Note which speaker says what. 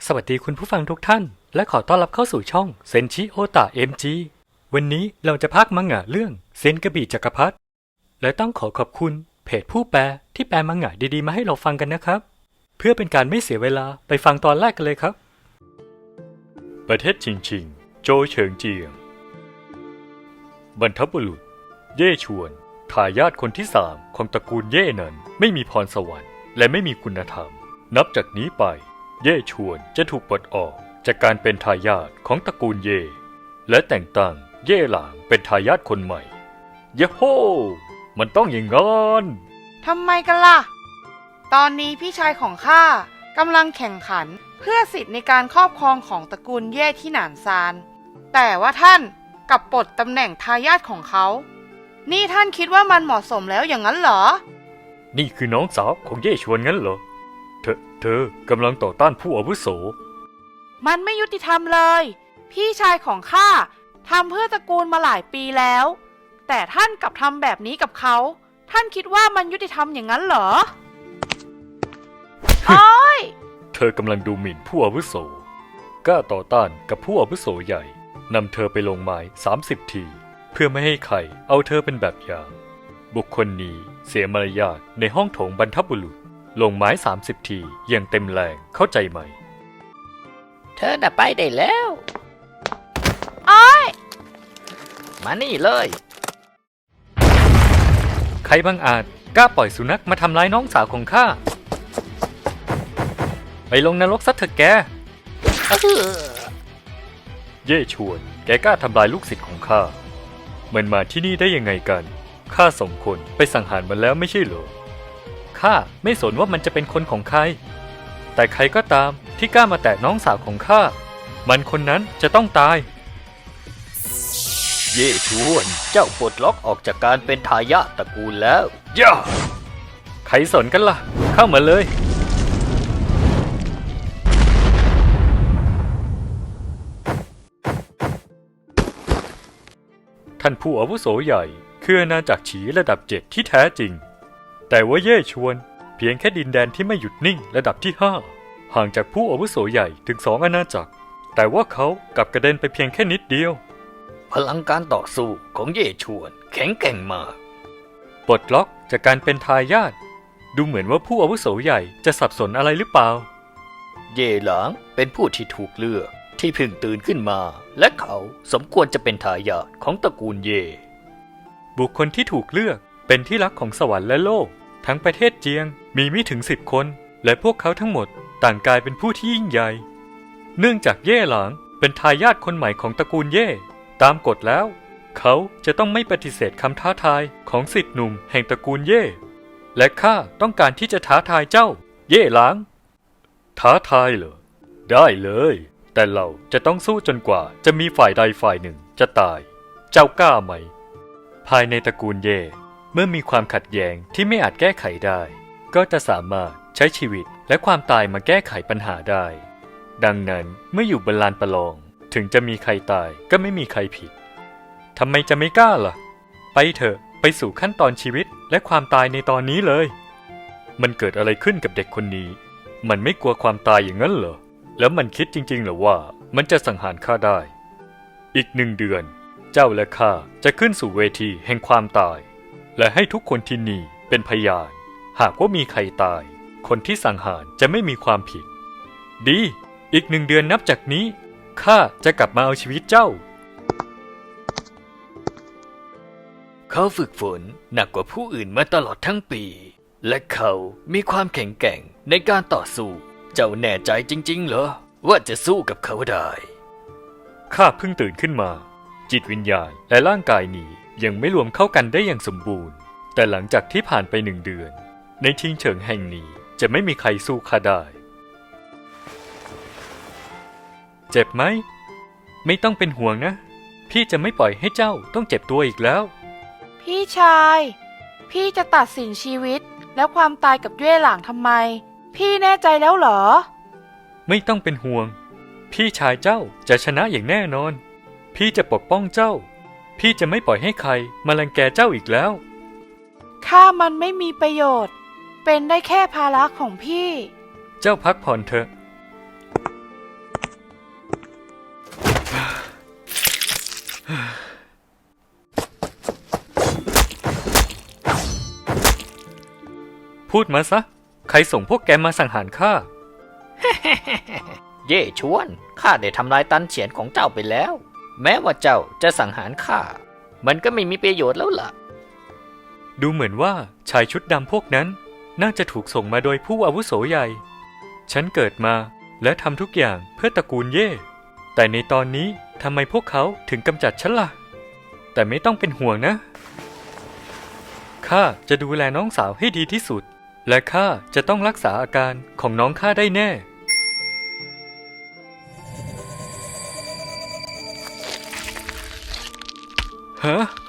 Speaker 1: สวัสดีคุณผู้ฟังทุกท่านและขอต้อนรับเข้าสู่ช่องเซนชิโอตะ MG วันนี้เราจะพากย์มังงะเรื่องเซนกระบี่จักรพรรดิและต้องขอบคุณเพจผู้แปลที่แปลมังงะดีๆมาให้เราฟังกันนะครับเพื่อเป็นการไม่เสียเวลาไปฟังตอนแรกกันเลยครับประเทศชิงชิงโจเฉิงเจียงบรรพบุรุษเย่ชวนทายาทคนที่3ของตระกูลเย่นั้นไม่มีพรสวรรค์และไม่มีคุณธรรมนับจากนี้ไปเย่ชวนจะถูกปลดออกจากการเป็นทายาทของตระกูลเย่และแต่งตั้งเย่หลางเป็นทายาทคนใหม่เยโฮมันต้องอย่างงั้น
Speaker 2: ทำไมกันล่ะตอนนี้พี่ชายของข้ากำลังแข่งขันเพื่อสิทธิ์ในการครอบครองของตระกูลเย่ที่หนานซานแต่ว่าท่านกลับปลดตำแหน่งทายาทของเขานี่ท่านคิดว่ามันเหมาะสมแล้วอย่างนั้นเหรอ
Speaker 1: นี่คือน้องสาวของเย่ชวนงั้นเหรอเธอกำลังต่อต้านผู้อาวุโส
Speaker 2: มันไม่ยุติธรรมเลยพี่ชายของข้าทำเพื่อตระกูลมาหลายปีแล้วแต่ท่านกลับทำแบบนี้กับเขาท่านคิดว่ามันยุติธรรมอย่างนั้นเหรอ โอ๊ย
Speaker 1: เธอกำลังดูหมิ่นผู้อาวุโสกล้าต่อต้านกับผู้อาวุโสใหญ่นำเธอไปลงไม้30 ทีเพื่อไม่ให้ใครเอาเธอเป็นแบบอย่างบุคคลนี้เสียมารยาทในห้องโถงบรรพบุรุษลงไม้30 ทีอย่างเต็มแรงเข้าใจไหม
Speaker 3: เธอน่ะไปได้แล้ว
Speaker 2: อ้อย
Speaker 3: มานี่เลย
Speaker 1: ใครบังอาจกล้าปล่อยสุนัขมาทำร้ายน้องสาวของข้าไปลงนรกซะเถอะแกเย่ชวนแกกล้าทำลายลูกศิษย์ของข้ามันมาที่นี่ได้ยังไงกันข้าส่งคนไปสังหารมันแล้วไม่ใช่เหรอข้าไม่สนว่ามันจะเป็นคนของใครแต่ใครก็ตามที่กล้ามาแตะน้องสาวของข้ามันคนนั้นจะต้องตาย
Speaker 3: เย่ชวนเจ้าปลดล็อกออกจากการเป็นทายาทตระกูลแล้ว
Speaker 1: ย่าใครสนกันล่ะเข้ามาเลยท่านผู้อาวุโสใหญ่คืออาณาจักรฉีระดับ7ที่แท้จริงแต่ว่าเย่ชวนเพียงแค่ดินแดนที่ไม่หยุดนิ่งระดับที่5ห่างจากผู้อาวุโสใหญ่ถึง2อาณาจักรแต่ว่าเขากลับกระเด็นไปเพียงแค่นิดเดียว
Speaker 3: พลังการต่อสู้ของเย่ชวนแข็งแกร่งมาก
Speaker 1: ปลดล็อกจากการเป็นทายาทดูเหมือนว่าผู้อาวุโสใหญ่จะสับสนอะไรหรือเปล่า
Speaker 3: เย่หลางเป็นผู้ที่ถูกเลือกที่เพิ่งตื่นขึ้นมาและเขาสมควรจะเป็นทายาทของตระกูลเย่
Speaker 1: บุคคลที่ถูกเลือกเป็นที่รักของสวรรค์และโลกทั้งประเทศเจียงมีไม่ถึง10 คนและพวกเขาทั้งหมดต่างกลายเป็นผู้ที่ยิ่งใหญ่เนื่องจากเย่หลางเป็นทายาทคนใหม่ของตระกูลเย่ตามกฎแล้วเขาจะต้องไม่ปฏิเสธคำท้าทายของศิษย์หนุ่มแห่งตระกูลเย่และข้าต้องการที่จะท้าทายเจ้าเย่หลางท้าทายเหรอได้เลยแต่เราจะต้องสู้จนกว่าจะมีฝ่ายใดฝ่ายหนึ่งจะตายเจ้ากล้าไหมภายในตระกูลเย่เมื่อมีความขัดแย้งที่ไม่อาจแก้ไขได้ก็จะสามารถใช้ชีวิตและความตายมาแก้ไขปัญหาได้ดังนั้นเมื่ออยู่บนลานประลองถึงจะมีใครตายก็ไม่มีใครผิดทำไมจะไม่กล้าล่ะไปเถอะไปสู่ขั้นตอนชีวิตและความตายในตอนนี้เลยมันเกิดอะไรขึ้นกับเด็กคนนี้มันไม่กลัวความตายอย่างนั้นเหรอแล้วมันคิดจริงๆเหรอว่ามันจะสังหารข้าได้อีก1 เดือนเจ้าและข้าจะขึ้นสู่เวทีแห่งความตายและให้ทุกคนที่นี่เป็นพยานหากว่ามีใครตายคนที่สังหารจะไม่มีความผิดดีอีก1 เดือนนับจากนี้ข้าจะกลับมาเอาชีวิตเจ้า
Speaker 3: เขาฝึกฝนหนักกว่าผู้อื่นมาตลอดทั้งปีและเขามีความแข็งแกร่งในการต่อสู้เจ้าแน่ใจจริงๆเหรอว่าจะสู้กับเขาได้
Speaker 1: ข้าเพิ่งตื่นขึ้นมาจิตวิญญาณและร่างกายนี้ยังไม่รวมเข้ากันได้อย่างสมบูรณ์แต่หลังจากที่ผ่านไป1 เดือนในชิงเฉิงแห่งนี้จะไม่มีใครสู้ข้าได้เจ็บไหมไม่ต้องเป็นห่วงนะพี่จะไม่ปล่อยให้เจ้าต้องเจ็บตัวอีกแล้ว
Speaker 2: พี่ชายพี่จะตัดสินชีวิตและความตายกับเย่หลางทำไมพี่แน่ใจแล้วเหรอ
Speaker 1: ไม่ต้องเป็นห่วงพี่ชายเจ้าจะชนะอย่างแน่นอนพี่จะปกป้องเจ้าพี่จะไม่ปล่อยให้ใครมารังแกเจ้าอีกแล้ว
Speaker 2: ข้ามันไม่มีประโยชน์เป็นได้แค่ภาระของพี่
Speaker 1: เจ้าพักผ่อนเถอะพูดมาซะ ใครส่งพวกแกมาสังหารข้า
Speaker 3: เย่ชวน ข้าได้ทำลายตันเฉียนของเจ้าไปแล้ว แม้ว่าเจ้าจะสังหารข้า มันก็ไม่มีประโยชน์แล้วล่ะ
Speaker 1: ดูเหมือนว่าชายชุดดำพวกนั้น น่าจะถูกส่งมาโดยผู้อาวุโสใหญ่ ฉันเกิดมาและทำทุกอย่างเพื่อตระกูลเย่ แต่ในตอนนี้ทำไมพวกเขาถึงกำจัดฉันล่ะ แต่ไม่ต้องเป็นห่วงนะ ข้าจะดูแลน้องสาวให้ดีที่สุด และข้าจะต้องรักษาอาการของน้องข้าได้แน่ ฮะ